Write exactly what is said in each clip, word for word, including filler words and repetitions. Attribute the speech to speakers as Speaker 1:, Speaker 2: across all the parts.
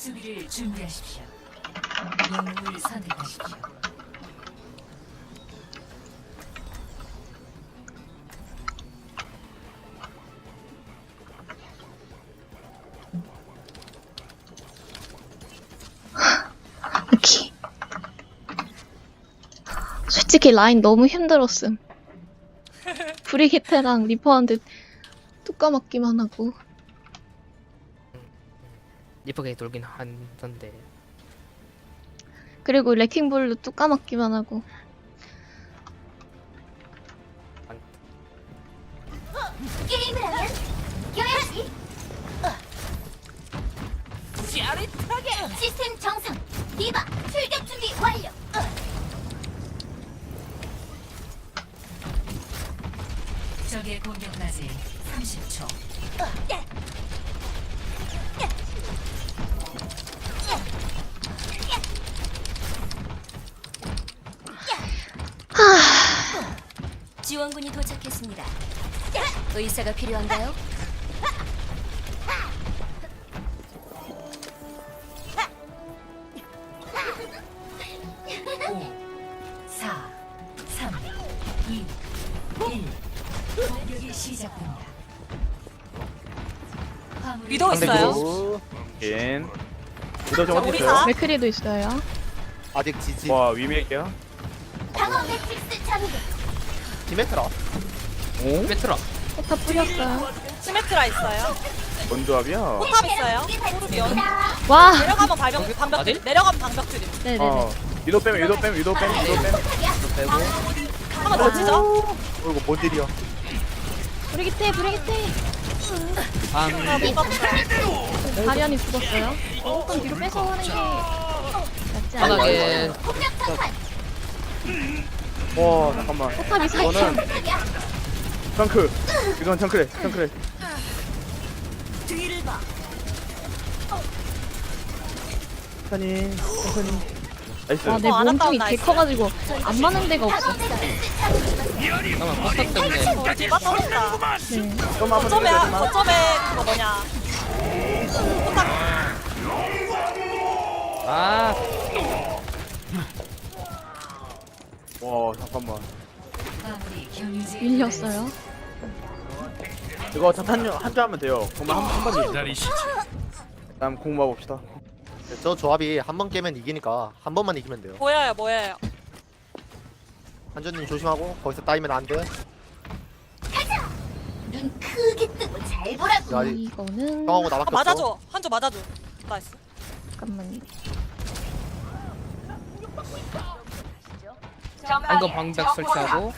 Speaker 1: 수비를 준비하십시오. 영웅을 선택하십시오.
Speaker 2: 오케이. 솔직히 라인 너무 힘들었음. 브리기테랑 리퍼한테 뚝 까먹기만 하고.
Speaker 3: 리퍼게 돌긴 한던데.
Speaker 2: 그리고 레킹볼로 뚝 까먹기만 하고.
Speaker 4: 게임을 하면 이겨야지.
Speaker 1: 짜릿하게.
Speaker 4: 시스템 정상. 디바 출격 준비 완료.
Speaker 1: 적의 공격까지 삼십 초.
Speaker 4: 지원군이 도착했습니다. 의사가 필요한가요?
Speaker 1: 오, 사, 삼, 이, 일. 공격이 시작됩니다. 화물을
Speaker 5: 위도 있어요?
Speaker 6: 인 위도 좀
Speaker 5: 자,
Speaker 6: 어디
Speaker 5: 우리
Speaker 6: 있어요?
Speaker 5: 다?
Speaker 2: 맥크리도 있어요.
Speaker 7: 아직 지지.
Speaker 6: 와 위메이크야?
Speaker 4: 방어 매트릭스 장비.
Speaker 7: 디메트라.
Speaker 6: 오?
Speaker 3: 빼트라.
Speaker 2: 포탑 뿌렸어요.
Speaker 5: 시메트라 있어요.
Speaker 6: 뭔 조합이야?
Speaker 5: 포탑 있어요. 토르비언.
Speaker 2: 와!
Speaker 5: 내려가면 발병 방벽
Speaker 3: 어디?
Speaker 5: 드림. 내려가면 방벽 드림.
Speaker 2: 네네네.
Speaker 6: 어 위도 빼면 위도 빼면 위도 빼면 위도 빼면
Speaker 3: 빼고.
Speaker 5: 한번 더 치죠.
Speaker 7: 어 이거 뭔 일이야?
Speaker 2: 브리기테, 브리기테!
Speaker 3: 방.
Speaker 5: 자, 못 봤다.
Speaker 2: 가련이 죽었어요. 조금 뒤로 빼서 하는 게 낫지 않아요?
Speaker 3: 바닥에
Speaker 4: 폭력 장판.
Speaker 6: 와 잠깐만
Speaker 2: 포탑이
Speaker 6: 이거는
Speaker 2: 살짝
Speaker 6: 청크 이건 청크래 청크래
Speaker 1: 뒤를 봐.
Speaker 6: 천천히 천천히 나이스
Speaker 2: 와, 내
Speaker 5: 어, 안
Speaker 2: 몸통이
Speaker 5: 아까운
Speaker 2: 개
Speaker 5: 나이스.
Speaker 2: 커가지고 안 맞는 데가 없어.
Speaker 4: 방어 매트릭스 장비.
Speaker 3: 잠깐만 포탑 때문에.
Speaker 5: 어, 우리 디바 터졌다.
Speaker 2: 네.
Speaker 6: 좀 한번
Speaker 5: 거점에
Speaker 6: 해보자
Speaker 5: 거점에 그거 뭐냐. 포탑.
Speaker 3: 아
Speaker 6: 와 잠깐만
Speaker 1: 화물이 경유지에
Speaker 2: 밀렸어요.
Speaker 6: 이거 자탄 한줄 하면 돼요 공만 한번 기다리시지 다음 공 봐봅시다
Speaker 7: 저 조합이 한 번 깨면 이기니까 한 번만 이기면 돼요.
Speaker 5: 보여요, 보여요.
Speaker 7: 한준님 조심하고 거기서 따이면 안 돼.
Speaker 4: 눈 크게 뜨고 잘 보라고.
Speaker 7: 야,
Speaker 2: 이거는
Speaker 7: 형하고
Speaker 5: 아,
Speaker 7: 나밖에 없어.
Speaker 5: 맞아줘. 한조 맞아줘. 나이스.
Speaker 2: 잠깐만요.
Speaker 3: 한거 방벽 설치하고.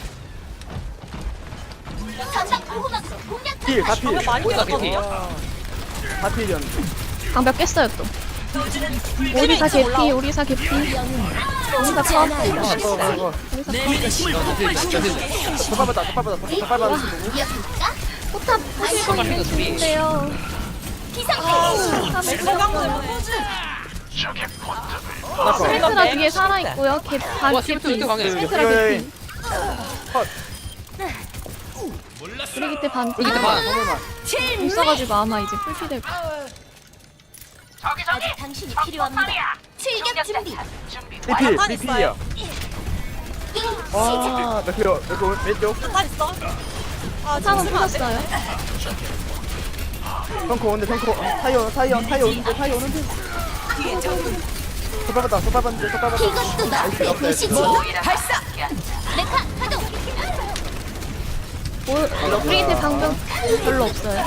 Speaker 4: 전방 보호막으로 공략
Speaker 6: 필! 다 필!
Speaker 5: 방벽 많이
Speaker 3: 보이다,
Speaker 5: 깨졌거든요.
Speaker 6: 다 필이었는데
Speaker 2: 방벽 깼어요 또. 오리사 개피, 오리사 개피. 오리사 컷.
Speaker 6: 이거 이거
Speaker 2: 오리사 컷.
Speaker 6: 첫 밟았다 첫 밟았다 첫 밟았다
Speaker 4: 이었습니까?
Speaker 2: 포탑 부실 거 되게 좋은데요.
Speaker 4: 기상태.
Speaker 5: 소강 때문에.
Speaker 2: 스메트라 뒤에 살아있고요. 개, 반
Speaker 3: 와,
Speaker 2: 개피.
Speaker 3: 스메트라 이렇게 강해.
Speaker 2: 스메트라 개피.
Speaker 6: 컷
Speaker 2: 브리기테 반 피.
Speaker 3: 브리기테 반.
Speaker 2: 못 써가지고 아마 이제 풀피 될 거야.
Speaker 4: 아직 당신이 필요합니다. 출격 준비.
Speaker 6: 리필!
Speaker 5: 자탄
Speaker 6: 리필이야
Speaker 4: 게임 시작.
Speaker 6: 와 맥크려 맥크 왼쪽
Speaker 5: 자탄 있어. 아,
Speaker 2: 포탑은
Speaker 5: 지금 안 돼.
Speaker 2: 풀었어요.
Speaker 6: 덩크 오는데 덩크 타이어 타이어 타이어 오는데 타이어 오는데 첫 밟았다 첫 밟았는데 첫 밟았다
Speaker 4: 이것도 너의 도시지. 발사. 메카 가동.
Speaker 2: 올- 브리기테 방벽 별로 없어요.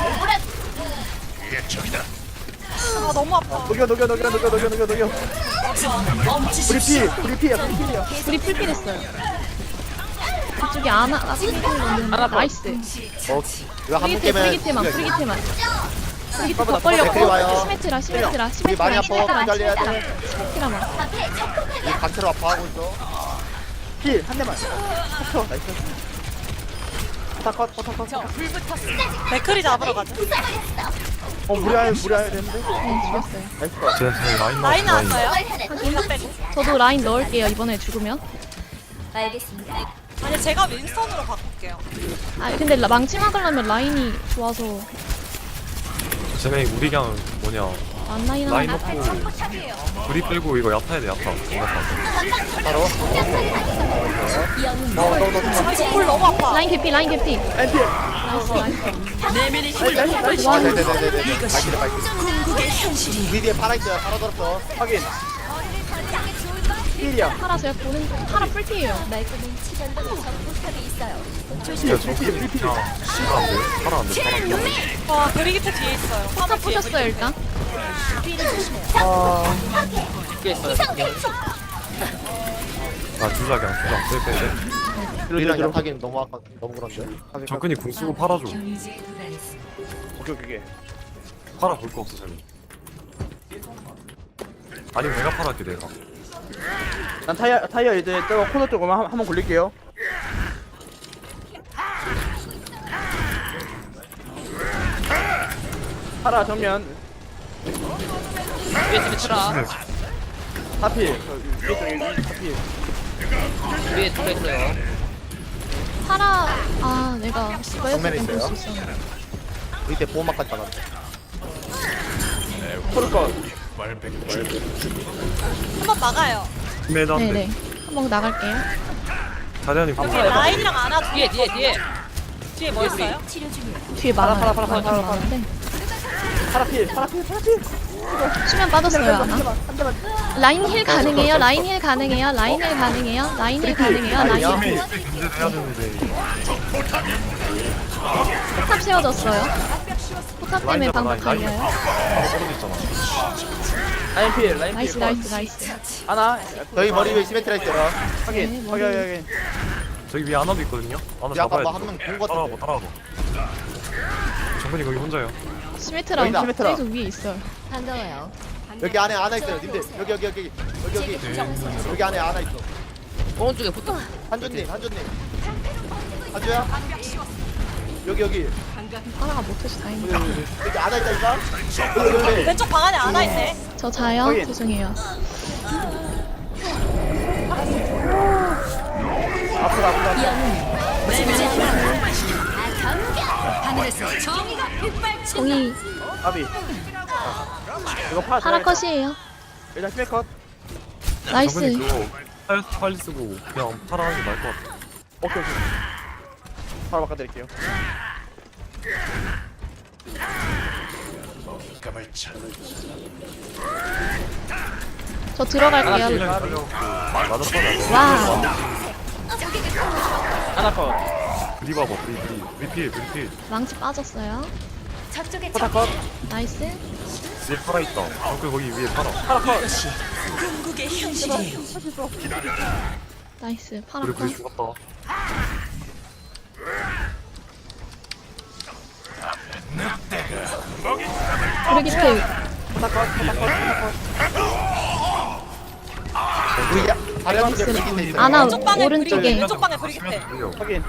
Speaker 5: 아, 너무 아파.
Speaker 6: 녹여 녹여 녹여 녹여 녹여 녹여 녹여 우리 피! 우리 피야 우리 필이야
Speaker 2: 우리 풀피 됐어요. 그쪽에 아나, 아, 풀피를 넣는 나이스.
Speaker 7: 어, 이거 한 번
Speaker 2: 브리기테,
Speaker 7: 깨면
Speaker 2: 브리기테만,
Speaker 7: 이겨요.
Speaker 2: 브리기테만. 브리기테 더
Speaker 6: 빨리
Speaker 7: 와요.
Speaker 2: 벌렸고, 시메트라, 시메트라,
Speaker 7: 우리 많이
Speaker 2: 시메트라,
Speaker 7: 아파.
Speaker 2: 시메트라,
Speaker 7: 기다려야
Speaker 2: 시메트라,
Speaker 7: 돼.
Speaker 2: 시메트라만.
Speaker 4: 앞에 적극하게.
Speaker 7: 이 단체로 아파하고 있어.
Speaker 6: 필한 대만 쳐 나이스 포타컷 포타컷
Speaker 5: 맥크리 잡으러 가자.
Speaker 6: 어 무리하여 무리하여 되는데
Speaker 2: 네, 죽였어요.
Speaker 6: 나이스 컷
Speaker 5: 라인 나왔어요.
Speaker 4: 하는
Speaker 5: 이거 빼고.
Speaker 2: 저도 라인 넣을게요, 이번에 죽으면.
Speaker 4: 알겠습니다.
Speaker 5: 아니, 제가 윈스턴으로 바꿀게요.
Speaker 2: 아, 근데 라- 망치 막으려면 라인이 좋아서.
Speaker 8: 쟤네 우리 그냥 뭐냐
Speaker 2: 만나
Speaker 8: 라인
Speaker 2: 일어나.
Speaker 8: 넣고 우리 빼고 이거 야타야 돼 야타 야타
Speaker 7: 바로 너너너
Speaker 5: 볼 너무 아파.
Speaker 2: 라인 개피 라인 개피.
Speaker 6: 엔피.
Speaker 2: 나이스 나이스.
Speaker 7: 와
Speaker 2: 와
Speaker 7: 네네네네 발길이 발길이 우리 뒤에 팔아 있어요 팔아 들었어
Speaker 6: 확인. 필이야.
Speaker 2: 파라 제가 보는 파라 풀피예요.
Speaker 4: 말끔한 치전동의 적포탑이 있어요.
Speaker 8: 야 저기 그냥 씨가 안돼 팔아 안돼 팔아 안돼
Speaker 5: 와 브리기트 뒤에 있어요.
Speaker 2: 파라 푸셨어요 일단.
Speaker 3: 이게 있어요.
Speaker 8: 아 주자 그냥 주자 빼빼
Speaker 7: 우리랑 약하기는 너무 아까 너무 그런데
Speaker 8: 접근이 궁 쓰고 팔아줘
Speaker 1: 경유지에 도달했습니다.
Speaker 6: 오케이 오케이.
Speaker 8: 팔아 볼 거 없어 쟤네 아니면 내가 팔아할게 내가
Speaker 6: 난 타이어 타이어 이제 저 코너 쪽으로만 한- 한번 굴릴게요. 파라 정면.
Speaker 3: 위에 스미트라.
Speaker 6: 하필. 저 위에 쪽 여기 하필.
Speaker 3: 위에 둘 있어요.
Speaker 2: 파라 아 내가 이거
Speaker 7: 정면에
Speaker 2: 했을 땐
Speaker 7: 있어요?
Speaker 2: 볼 수 있었는데.
Speaker 7: 우리 때 보호막까지 박았네
Speaker 6: 포르컷.
Speaker 5: 한번 막아요.
Speaker 8: 매단
Speaker 2: 네네. 한번 나갈게요.
Speaker 8: 자리아님 궁
Speaker 5: 라인이랑 안아
Speaker 3: 뒤에 뒤에 뒤에.
Speaker 5: 뒤에 뭐 있어요?
Speaker 4: 치료 중이에요.
Speaker 2: 뒤에 많아요.
Speaker 6: 파라, 파라, 파라,
Speaker 2: 많긴
Speaker 6: 파라, 파라.
Speaker 2: 많은데.
Speaker 6: 파라필. 파라필. 파라필.
Speaker 2: 수면 빠졌어요 하나. 라인 힐 가능해요. 라인 힐 가능해요. 라인 힐 가능해요. 라인 힐 가능해요. 라인 힐.
Speaker 8: 견제를 해야 되는데
Speaker 2: 포탑 세워졌어요. 포탑 때문에
Speaker 8: 라인 잡아
Speaker 2: 방금
Speaker 8: 라인 라인
Speaker 2: 갈려요.
Speaker 8: 바로 떨어져 있잖아
Speaker 6: 라인필. 라인필.
Speaker 2: 나이스 나이스 나이스.
Speaker 6: 하나.
Speaker 7: 저희 머리 위에 시메트라 있어요
Speaker 6: 확인.
Speaker 2: 네,
Speaker 6: 확인 확인.
Speaker 8: 저기 위에 하나도 있거든요 하나
Speaker 7: 우리 아까
Speaker 8: 잡아야
Speaker 7: 뭐
Speaker 8: 돼
Speaker 7: 한명 본 거
Speaker 8: 따라와봐
Speaker 7: 같은데
Speaker 8: 따라와봐 정근이 거기 혼자요
Speaker 2: 시메트라
Speaker 6: 여기다, 시메트라.
Speaker 2: 계속 위에 있어요.
Speaker 4: 반가워요.
Speaker 7: 여기 안에 하나 있어요 님들 여기 여기 여기 여기 여기 여기 안에 하나 있어
Speaker 3: 오른쪽에 붙어.
Speaker 7: 한준님 한준님 한주야 여기 여기
Speaker 2: 하나가 못해서 다행이다.
Speaker 7: 여기 여기 여기 안에 있다니까 여기 여기 여기
Speaker 5: 왼쪽 방 안에 안아 있네.
Speaker 2: 저 자요?
Speaker 6: 확인.
Speaker 2: 죄송해요.
Speaker 6: 앞으로 앞으로.
Speaker 1: 하늘에서 정의가 빗발친다.
Speaker 2: 공이
Speaker 6: 아비. 이거 파라.
Speaker 2: 파라 컷이에요.
Speaker 6: 일단 스메컷.
Speaker 2: 나이스.
Speaker 8: 정근이 그거 팔, 팔 쓰고 그냥 팔아하는 게 나을 것 같아
Speaker 6: 오케이 오케이. 바로 바꿔드릴게요.
Speaker 2: 저 들어갈게요.
Speaker 8: 그냥 살려 맞아 빠져
Speaker 2: 와우.
Speaker 6: 하나 컷.
Speaker 8: 브리 봐봐 브리 브리 브리필 브리필
Speaker 2: 망치 빠졌어요.
Speaker 4: 저쪽에
Speaker 6: 포타 컷.
Speaker 2: 나이스.
Speaker 8: 위에 팔아 있다 정근 거기 위에 팔아
Speaker 6: 파라 컷.
Speaker 2: 나이스. 파라
Speaker 8: 우리
Speaker 2: 컷.
Speaker 8: 브리 죽었다
Speaker 2: 브리기트.
Speaker 6: 포타 컷. 포타 컷. 포타 컷.
Speaker 7: 우리 야 다리랑 뒤에 브리기트 있어요
Speaker 2: 아나
Speaker 5: 왼쪽 방에
Speaker 2: 오른쪽에.
Speaker 5: 브리기트. 왼쪽 방에 브리기트.
Speaker 8: 살려
Speaker 6: 확인.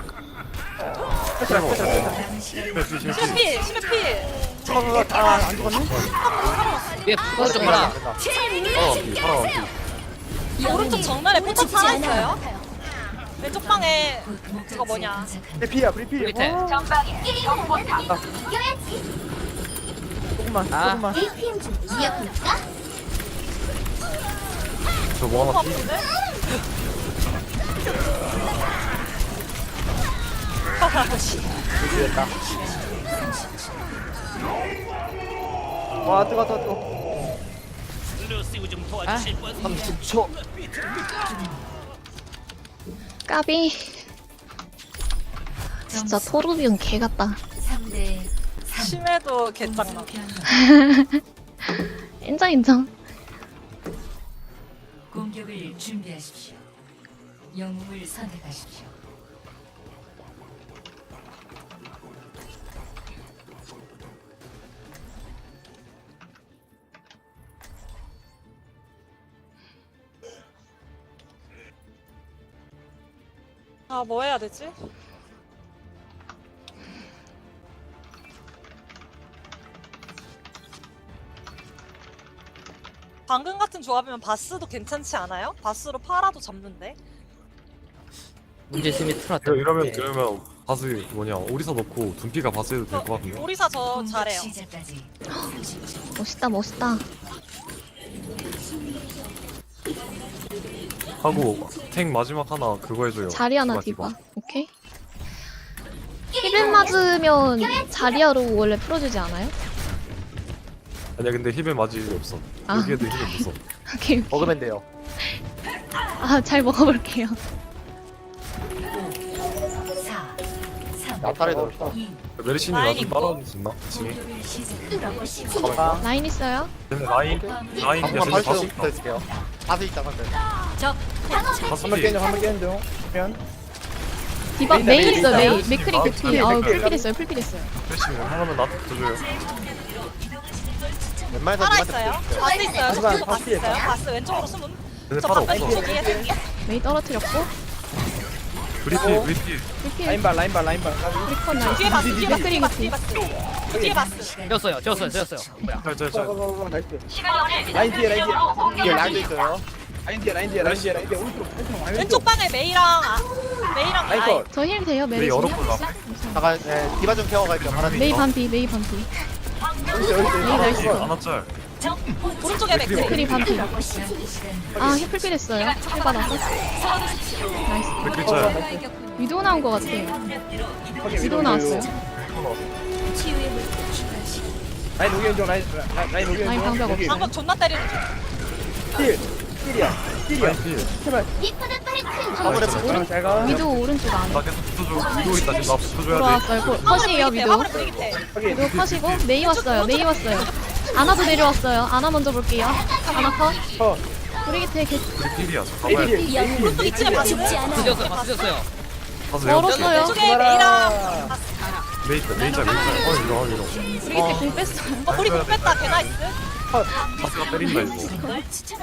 Speaker 8: 심해 심해 심해
Speaker 5: 심해 필. 심해 필.
Speaker 6: 컷. 아안 죽었네.
Speaker 3: 위에 오른쪽 봐라.
Speaker 8: 팔아 앞이 팔아 앞이
Speaker 5: 오른쪽 정면에 포탑 하나 있어요. 왼쪽 방에 그거 뭐냐.
Speaker 6: 브리피야 브리피.
Speaker 3: 밑에.
Speaker 6: 와. 조금만
Speaker 3: 아.
Speaker 6: 조금만.
Speaker 8: 저뭐 하나
Speaker 5: 너무
Speaker 8: 피
Speaker 5: 아픈데?
Speaker 6: 됐다. 와 뜨거 뜨거 뜨거.
Speaker 7: 삼십 초
Speaker 2: 까비. 진짜 토르비온 개 같다.
Speaker 1: 삼 대
Speaker 5: 심해도 개짱나.
Speaker 2: 인정 인정.
Speaker 1: 공격을 준비하십시오. 영웅을 선택하십시오.
Speaker 5: 아, 뭐 해야 되지? 방금 같은 조합이면 바스도 괜찮지 않아요? 바스로 파라도 잡는데.
Speaker 3: 문제 스미트라
Speaker 8: 이러면 그러면 바스 뭐냐 오리사 넣고 둔피가 바스 해도 될 것 같은데.
Speaker 5: 오리사 저
Speaker 1: 공격
Speaker 5: 잘해요.
Speaker 1: 시작까지
Speaker 2: 멋있다 멋있다.
Speaker 8: 하고 탱 마지막 하나 그거 해줘요.
Speaker 2: 자리 하나 디바. 오케이. 힐을 맞으면 자리아로 원래 풀어주지 않아요?
Speaker 8: 아니야 근데 힐벨 맞을 일이 없어.
Speaker 2: 아.
Speaker 8: 여기에도 힐벨 없어.
Speaker 2: 오케이.
Speaker 7: 먹으면 돼요.
Speaker 2: 아, 잘 먹어볼게요.
Speaker 1: 사, 삼,
Speaker 7: 나타를 넣었다.
Speaker 1: 이,
Speaker 8: 메르시님
Speaker 5: 라인
Speaker 8: 나좀
Speaker 5: 있고.
Speaker 8: 따라올 수 있나? 지금
Speaker 1: 공격을 시작.
Speaker 7: 잠깐만.
Speaker 2: 라인 있어요?
Speaker 8: 근데 라인 라인
Speaker 7: 한번
Speaker 8: 계속
Speaker 7: 바스
Speaker 8: 바스
Speaker 7: 붙어 있을게요. 바스 있다 근데.
Speaker 1: 적
Speaker 8: 바스
Speaker 6: 한번 깨줘 한번 깨는 중. 그러면
Speaker 2: 디바
Speaker 6: 메이,
Speaker 2: 메이
Speaker 6: 메이
Speaker 2: 있어요,
Speaker 6: 있어요?
Speaker 2: 메이. 맥크리 개피. 아, 풀필 했어요, 풀필 했어요.
Speaker 8: 메르시님 하나만 나한테 줘요.
Speaker 7: 웬만해서
Speaker 5: 살아
Speaker 7: 님한테
Speaker 5: 있어요.
Speaker 7: 붙여줄게요.
Speaker 5: 바스 있어요.
Speaker 6: 바스,
Speaker 5: 저쪽도
Speaker 6: 바스
Speaker 5: 바스 있어요.
Speaker 6: 있어요.
Speaker 5: 바스 왼쪽으로 숨은.
Speaker 8: 근데
Speaker 5: 저
Speaker 8: 팔아
Speaker 5: 방금
Speaker 8: 없어.
Speaker 5: 왼쪽 뒤에 생기.
Speaker 2: 메이 떨어뜨렸고.
Speaker 8: 브리피 브리피.
Speaker 2: 풀필.
Speaker 6: 라인발 라인발 라인발.
Speaker 2: 리콘 나이스.
Speaker 5: 뒤에 바스, 뒤에 바스, 뒤에 바스,
Speaker 2: 맥크리
Speaker 5: 뒤에 바스. 뒤에 바스.
Speaker 3: 졌어요 졌어요 졌어요. 뭐야?
Speaker 8: 짤짤짤.
Speaker 6: 고고고고 나이스. 라인 뒤에 라인 뒤에.
Speaker 7: 뒤에 라인도 있어요.
Speaker 6: 라인 뒤에 라인 뒤에 라인 뒤에 라인 뒤에 오른쪽 오른쪽 라인
Speaker 5: 왼쪽 방에 메이랑 아, 메이랑
Speaker 6: 라인
Speaker 5: 아이.
Speaker 6: 컷.
Speaker 2: 저 힐 돼요, 메이.
Speaker 8: 메이 얼었고 앞에.
Speaker 7: 잠깐 네, 디바 좀 케어 갈게요. 바람이.
Speaker 2: 메이 반피, 메이 반피.
Speaker 6: 여기 여기
Speaker 2: 메이 나이스.
Speaker 8: 하나 짤.
Speaker 5: 오른쪽에 맥크리.
Speaker 2: 맥크리 반피. 아, 힐 풀필 했어요. 힐 받아서. 나이스.
Speaker 8: 맥크리 짤.
Speaker 2: 위도 나온 것 같아요. 위도 나왔어요.
Speaker 6: 라인 오기엔 중 라인 라인 라인 오기엔
Speaker 2: 라인
Speaker 6: 중.
Speaker 2: 방벽
Speaker 6: 여기.
Speaker 5: 방금 존나 때리는 중.
Speaker 6: 힐 힐이야 힐이야.
Speaker 8: 라인 필.
Speaker 6: 제발.
Speaker 7: 화물에
Speaker 8: 나이스.
Speaker 7: 붙어.
Speaker 6: 잘 가.
Speaker 2: 위도 오른쪽 안에.
Speaker 8: 나 계속 붙어줘. 위도 있다 지금 나 붙어줘야 돼.
Speaker 2: 들어왔어요. 거- 컷이에요,
Speaker 5: 화물에
Speaker 2: 위도.
Speaker 5: 화물에 브리기테.
Speaker 6: 확인.
Speaker 2: 위도 컷이고, 메이 왔어요, 메이 왔어요. 아나도 내려왔어요. 아나 먼저 볼게요. 아나 컷.
Speaker 6: 컷.
Speaker 2: 브리기테 개
Speaker 8: 우리 필이야. 잠깐만.
Speaker 6: 에이필.
Speaker 5: 오른쪽 이층에 바스.
Speaker 3: 졌어요 바스 졌어요.
Speaker 8: 가세요.
Speaker 2: 멀었어요.
Speaker 5: 왼쪽에 메이랑
Speaker 8: 메이 있다. 메이 짤 메이 짤. 어 이거 이거.
Speaker 2: 브리기테 공 뺐어요.
Speaker 5: 어 우리 공 뺐다. 개 나이스.
Speaker 8: 바스가 때린다 이거.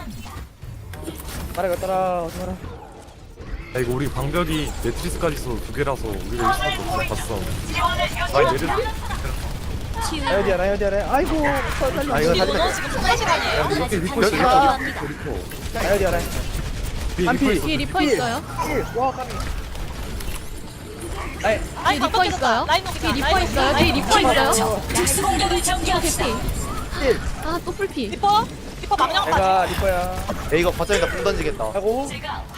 Speaker 6: 따라가 따라 따라.
Speaker 8: 야 이거 우리 방벽이 매트리스까지 있어도 두 개라서 우리가 일 수밖에 없어. 봤어. 라인 내려.
Speaker 6: 라인 뒤에 라인 뒤에 라인. 아이고. 컷 살려.
Speaker 7: 아 이거
Speaker 5: 이거
Speaker 7: 살리면
Speaker 5: 지금 통과 시간이에요.
Speaker 8: 이렇게 리포 있어.
Speaker 7: 여기가-
Speaker 8: 리포 리포.
Speaker 6: 라인 뒤에 라인.
Speaker 8: 뒤에
Speaker 6: 한
Speaker 8: 리포
Speaker 6: 피.
Speaker 8: 있어.
Speaker 2: 뒤에 리퍼 있어요.
Speaker 6: 힐. 와 까비. 라인.
Speaker 5: 라인
Speaker 2: 리퍼
Speaker 5: 방금
Speaker 2: 있어요.
Speaker 5: 라인 녹이다.
Speaker 2: 뒤에 리퍼
Speaker 5: 라인
Speaker 2: 있어요.
Speaker 5: 녹이다.
Speaker 2: 뒤에
Speaker 5: 라인
Speaker 2: 리퍼
Speaker 5: 녹이다.
Speaker 2: 있어요.
Speaker 1: 특수공격을 전개합시다.
Speaker 2: 개피.
Speaker 6: 힐.
Speaker 2: 아, 또 풀피.
Speaker 5: 리퍼 리퍼 망령까지.
Speaker 6: 내가 리퍼야.
Speaker 7: 에이 이거 거점에다 붕 던지겠다.
Speaker 6: 하고.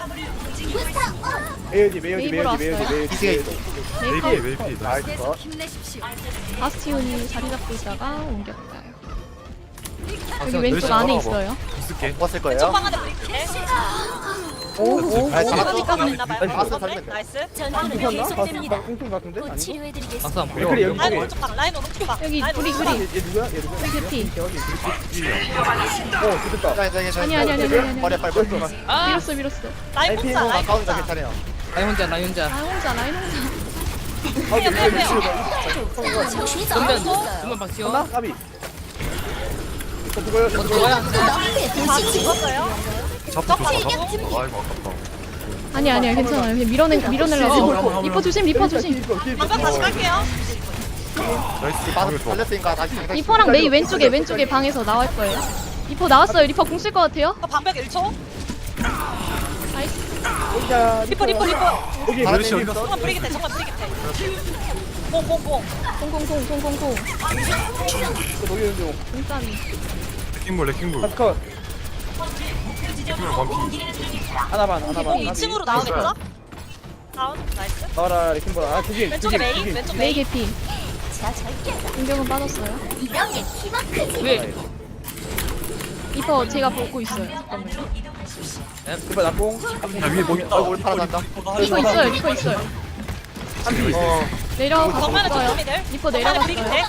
Speaker 6: 메이지 메이지
Speaker 2: 메이브로
Speaker 6: 메이지 메이지 메이지.
Speaker 7: 이층에 있어.
Speaker 2: 메이커.
Speaker 8: 메이피 메이피.
Speaker 6: 나이스 컷.
Speaker 2: 바스티온이 자리 잡고 있다가 옮겼어요.
Speaker 8: 아,
Speaker 2: 여기 왼쪽 안에 있어요.
Speaker 8: 있을게.
Speaker 7: 먹었을
Speaker 5: 왼쪽
Speaker 7: 거예요.
Speaker 5: 방 안에 브리기테.
Speaker 6: 오오.
Speaker 7: 아, 잡았어.
Speaker 5: 잠깐만 있나봐요.
Speaker 7: 나이스, 바스
Speaker 5: 나이스.
Speaker 7: 살리면 돼.
Speaker 5: 나이스.
Speaker 4: 전투는
Speaker 6: 미쳤나?
Speaker 4: 계속됩니다.
Speaker 6: 꽁충 같은데? 아니?
Speaker 4: 치료해드리겠습니다.
Speaker 3: 박수 한번
Speaker 6: 맥크리
Speaker 3: 보여.
Speaker 6: 여기
Speaker 5: 라인
Speaker 6: 여기.
Speaker 5: 오른쪽 방. 라인 오른쪽 방.
Speaker 2: 여기
Speaker 5: 라인
Speaker 2: 브리,
Speaker 5: 오른쪽
Speaker 2: 브리.
Speaker 5: 방.
Speaker 6: 얘 누구야? 얘 누구야?
Speaker 2: 브리 개피.
Speaker 6: 저기. 어, 좋겠다.
Speaker 7: 자, 이제 이제
Speaker 2: 아니, 아니, 아니, 아니, 아니.
Speaker 7: 머리 빨리 빨리 빨리.
Speaker 3: 아
Speaker 2: 밀었어, 밀었어.
Speaker 5: 라인
Speaker 6: 라인
Speaker 5: 혼자.
Speaker 6: 피해.
Speaker 5: 라인
Speaker 7: 가운데
Speaker 5: 혼자.
Speaker 7: 괜찮아요.
Speaker 3: 라인 혼자 라인 혼자.
Speaker 2: 아, 혼자, 라인 혼자.
Speaker 6: 아,
Speaker 5: 빼요 빼요 빼요.
Speaker 3: 전면 전면 박시요.
Speaker 6: 나 까비. 이거 누구야? 이거
Speaker 3: 어디
Speaker 6: 누구야?
Speaker 3: 뭐야?
Speaker 5: 바스 죽었어요.
Speaker 8: 잡고 줘. 아이고 아깝다.
Speaker 2: 아니, 아니야, 괜찮아요. 그냥 밀어내, 밀어내려고. 리퍼 조심, 리퍼 조심.
Speaker 5: 방금 다시 갈게요.
Speaker 8: 나이스.
Speaker 7: 바스
Speaker 8: 방금 좋아.
Speaker 7: 달렸으니까 다시 당장.
Speaker 2: 리퍼랑 메이 왼쪽에, 왼쪽에 방에서 나올 거예요. 리퍼 나왔어요. 리퍼 공 쓸 것 같아요.
Speaker 5: 어, 방벽 일 초.
Speaker 2: 나이스.
Speaker 5: 리퍼 리퍼 리퍼.
Speaker 6: 여기
Speaker 7: 바람
Speaker 6: 메르시
Speaker 7: 내리고
Speaker 6: 어디 갔어?
Speaker 5: 정말 브리기테. 정말 브리기테. 봉봉봉.
Speaker 2: 공공공, 공공공.
Speaker 6: 이거 녹이는 중.
Speaker 2: 공짜리.
Speaker 8: 레킹볼 레킹볼.
Speaker 6: 컷.
Speaker 8: 레킹볼 반피.
Speaker 6: 하나만 하나만.
Speaker 5: 이 층으로 나오겠죠? 다운. 나이스.
Speaker 6: 나와라 레킹볼. 아, 두개.
Speaker 5: 왼쪽에 메인. 왼쪽
Speaker 2: 메이
Speaker 5: 메인.
Speaker 2: 개피.
Speaker 4: 자, 절대
Speaker 2: 공격은 빠졌어요.
Speaker 4: 이런 게 키마크지.
Speaker 3: 왜?
Speaker 2: 리퍼 제가 보고 있어요. 잠깐만요.
Speaker 6: 리퍼 낙공.
Speaker 8: 야 위에 뭐 있다.
Speaker 7: 얼굴 팔아난다.
Speaker 2: 리퍼 있어요, 리퍼 있어요.
Speaker 7: 어.
Speaker 2: 내려가고
Speaker 5: 정면에
Speaker 2: 있어요.
Speaker 5: 조금이들.
Speaker 2: 리퍼
Speaker 5: 정면에
Speaker 2: 내려갔어요.
Speaker 5: 브리기테.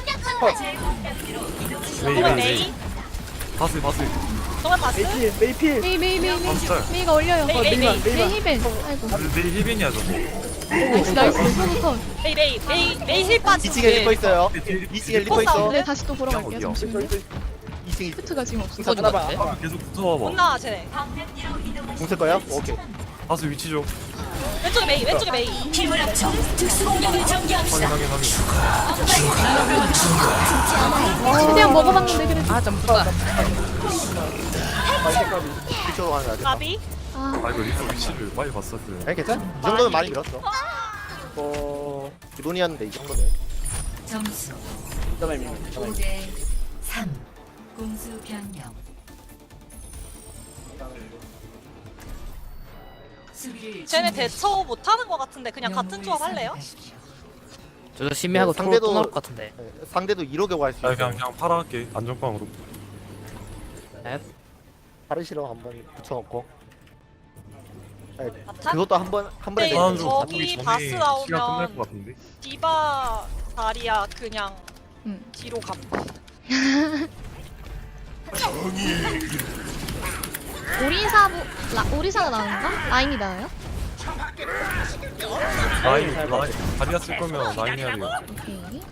Speaker 8: 메이
Speaker 5: 정말
Speaker 8: 메이 메이.
Speaker 5: 메이.
Speaker 8: 바스 바스.
Speaker 5: 정말 바스.
Speaker 6: 메이필 메이필.
Speaker 2: 메이, 메이, 메이, 메이.
Speaker 8: 바스.
Speaker 2: 메이가 올려요.
Speaker 5: 메이 메이 메이.
Speaker 2: 메이 힐벤. 아이고.
Speaker 8: 메이 힐빈이야 저거.
Speaker 2: 나이스, 나이스. 소부터.
Speaker 5: 메이 메이 메이 메이 힐 빠지.
Speaker 7: 이층에 리퍼 있어요.
Speaker 8: 뒤에
Speaker 7: 이층에 리퍼 있어.
Speaker 2: 네, 다시 또 보러 갈게요.
Speaker 8: 어디야?
Speaker 2: 잠시만요.
Speaker 7: 이층
Speaker 2: 푸트가 지금 없어.
Speaker 3: 이거 좀 같은데?
Speaker 8: 계속
Speaker 5: 못
Speaker 8: 붙어와봐.
Speaker 5: 나와 쟤네.
Speaker 7: 공쓸 거예요? 오케이.
Speaker 8: 바스 위치 좀.
Speaker 5: 왼쪽에 메이. 왼쪽에 메이.
Speaker 1: 힘을 합쳐 특수공격을 전개합시다.
Speaker 8: 확인 확인 확인.
Speaker 2: 최대한 먹어봤는데 그래도.
Speaker 3: 아 점프다.
Speaker 7: 뒤쪽으로 가는 거야.
Speaker 5: 가비.
Speaker 2: 아,
Speaker 8: 아 이거 리포 위치를 빨리 봤었어요.
Speaker 7: 에 괜찮아? 이 정도면 많이 밀었어.
Speaker 6: 어
Speaker 7: 기본이었는데 이 정도네.
Speaker 1: 점수
Speaker 6: 잠깐만요.
Speaker 1: 오 대 삼. 공수 변경. 수비를
Speaker 5: 쟤네
Speaker 1: 준비하십시오.
Speaker 5: 대처 못하는 것 같은데 그냥 같은
Speaker 1: 영웅을
Speaker 5: 조합 할래요?
Speaker 1: 선택하십시오.
Speaker 3: 저도 심해하고
Speaker 7: 네,
Speaker 3: 토로
Speaker 7: 상대도-
Speaker 3: 또 나올 것 같은데.
Speaker 7: 네, 상대도 이로게 할수
Speaker 8: 아
Speaker 7: 있어.
Speaker 8: 그냥 그냥 팔아 할게 안전빵으로.
Speaker 3: 네.
Speaker 7: 파르시로 한번 붙여놓고. 네,
Speaker 5: 바탄?
Speaker 7: 그것도 한번 한 번에
Speaker 5: 네,
Speaker 7: 내면
Speaker 8: 하나로
Speaker 5: 저기
Speaker 8: 바꾸기 전에
Speaker 5: 바스
Speaker 8: 시간
Speaker 5: 나오면-
Speaker 8: 끝날 것 같은데.
Speaker 5: 디바 다리야 그냥
Speaker 2: 응.
Speaker 5: 뒤로 감.
Speaker 2: 오리사 부, 라, 오리사가 나오는가? 라인이 나와요?
Speaker 8: 라인 라인 다리아 쓸 거면 라인 해야 돼요.
Speaker 2: 오케이.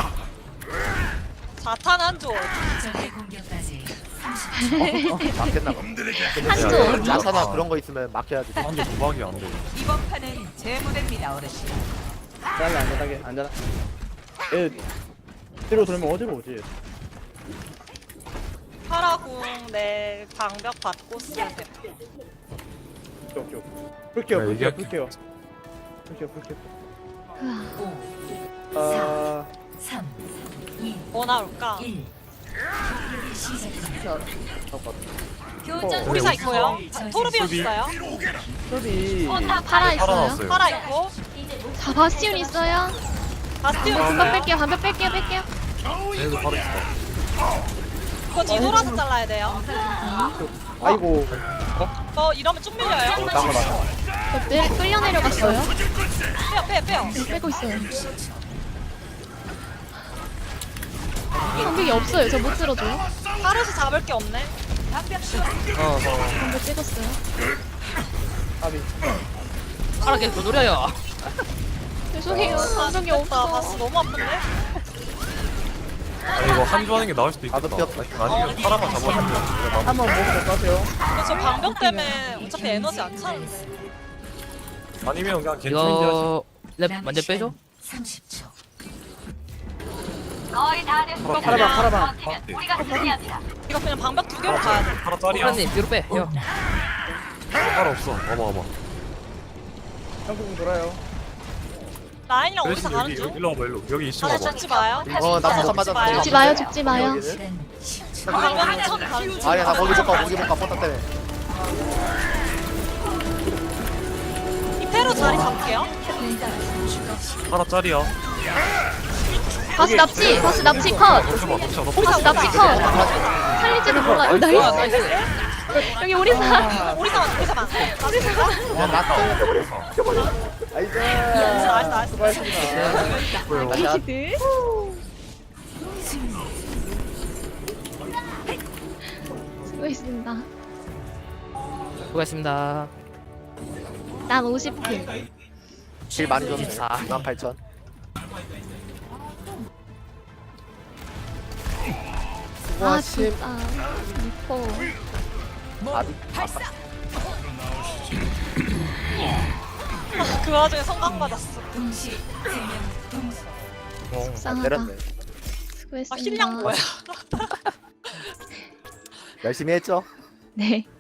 Speaker 5: 자탄 한조.
Speaker 1: 적의 공격까지 삼십 초.
Speaker 7: 막혔나 봐.
Speaker 2: 한조.
Speaker 7: 야사나 그런 거 있으면 막혀야지.
Speaker 8: 한조 도박이 안 돼.
Speaker 1: 이번 판은 제 무대입니다, 어르신.
Speaker 6: 안전하게 안전하게 안전하. 얘 뒤로 돌면 어디로 오지?
Speaker 5: 파라궁 내 방벽 받고 쓰세요.
Speaker 6: 오케이 오케이. 풀게요
Speaker 8: 네,
Speaker 6: 풀게요
Speaker 8: 얘기할게.
Speaker 6: 풀게요. 풀게요 풀게요.
Speaker 1: 오,
Speaker 6: 아
Speaker 1: 삼, 이,
Speaker 5: 뭐 나올까?
Speaker 1: 일. 공격이 시작됩니다.
Speaker 6: 어,
Speaker 5: 오리사
Speaker 8: 우리
Speaker 5: 있고요.
Speaker 1: 우리
Speaker 5: 토르비온
Speaker 8: 수비.
Speaker 5: 있어요.
Speaker 6: 소비.
Speaker 2: 파라
Speaker 8: 팔아
Speaker 2: 있어요.
Speaker 8: 나왔어요.
Speaker 5: 파라 있고.
Speaker 2: 자, 바스티온 있어요.
Speaker 5: 바스티온
Speaker 2: 반박
Speaker 5: 있어요.
Speaker 2: 뺄게요. 반박 뺄게요. 뺄게요.
Speaker 8: 얘도 바로 있어.
Speaker 5: 그거 뒤돌아서 잘라야 돼요.
Speaker 6: 아이고.
Speaker 5: 어 이러면 쭉 밀려요.
Speaker 7: 나가 봐.
Speaker 2: 저 내, 끌려 내려갔어요.
Speaker 5: 빼요 빼요 빼요.
Speaker 2: 네, 빼고 있어요. 방벽이 없어요. 저 못 들어줘요.
Speaker 5: 파르시 잡을 게 없네.
Speaker 3: 어, 어.
Speaker 2: 방벽 찍었어요.
Speaker 6: 아비.
Speaker 3: 파라 계속 노려요.
Speaker 2: 죄송해요. 방벽이
Speaker 5: 나
Speaker 2: 없어.
Speaker 5: 바스 너무 아픈데?
Speaker 8: 아니 이거 한조 하는 게 나을 수도 있겠다.
Speaker 7: 나도 피었다.
Speaker 8: 아니면 파라만 잡아주면 내가 막
Speaker 6: 한번 먹을 것 같아요.
Speaker 5: 근데 저 방벽 때문에 어차피 에너지 안 차는데.
Speaker 8: 아니면 그냥 괜찮은지 하시.
Speaker 3: 이거 랩 먼저 빼줘.
Speaker 1: 삼십 초.
Speaker 5: 이거
Speaker 6: 파라반
Speaker 5: 그냥
Speaker 6: 파라반.
Speaker 5: 이거 그냥 방벽 두 개로 가야 돼.
Speaker 8: 파라 짤이야.
Speaker 3: 파라님 뒤로 빼. 형.
Speaker 8: 파라 없어. 와봐 와봐.
Speaker 6: 한국 돌아요.
Speaker 5: 라인이랑
Speaker 8: 그래서
Speaker 5: 어디서 가는
Speaker 8: 여기
Speaker 5: 중?
Speaker 8: 일로 와봐 일로. 여기 이층
Speaker 5: 아,
Speaker 8: 와봐.
Speaker 5: 죽지 마요.
Speaker 7: 어, 나 잠깐
Speaker 5: 죽지
Speaker 7: 맞아.
Speaker 5: 마요.
Speaker 2: 죽지 마요. 죽지 마요.
Speaker 7: 여기는?
Speaker 1: 시간 십 초.
Speaker 5: 방벽 천 가는 중.
Speaker 7: 아야 나 거기 못 가. 거기 못 가. 포탑 때문에.
Speaker 5: 이페로 자리 잡을게요.
Speaker 8: 파라 짤이야.
Speaker 2: 바스 납치. 바스 납치 컷.
Speaker 8: 덮쳐봐 덮쳐 덮쳐.
Speaker 2: 바스 납치 컷. 살릴지도 몰라요. 나이스. 여기 오리사.
Speaker 5: 오리사만 오리사만.
Speaker 7: 야, 나 때문에.
Speaker 6: 아이고.
Speaker 5: 나이스 나이스.
Speaker 6: 수고하셨습니다.
Speaker 2: 리시드. 수고했습니다.
Speaker 3: 수고하셨습니다.
Speaker 2: 난 오십 킬.
Speaker 7: 질 많이 줬네. 만 팔천.
Speaker 2: 아 진짜. 미포.
Speaker 7: 아비.
Speaker 5: 그 와중에 성강 받았어.
Speaker 1: 동시 생명 동수.
Speaker 7: 아,
Speaker 2: 속상하다.
Speaker 7: 내렸네.
Speaker 2: 수고했습니다.
Speaker 5: 아 힐량 뭐야?
Speaker 7: 열심히 했죠?
Speaker 2: 네.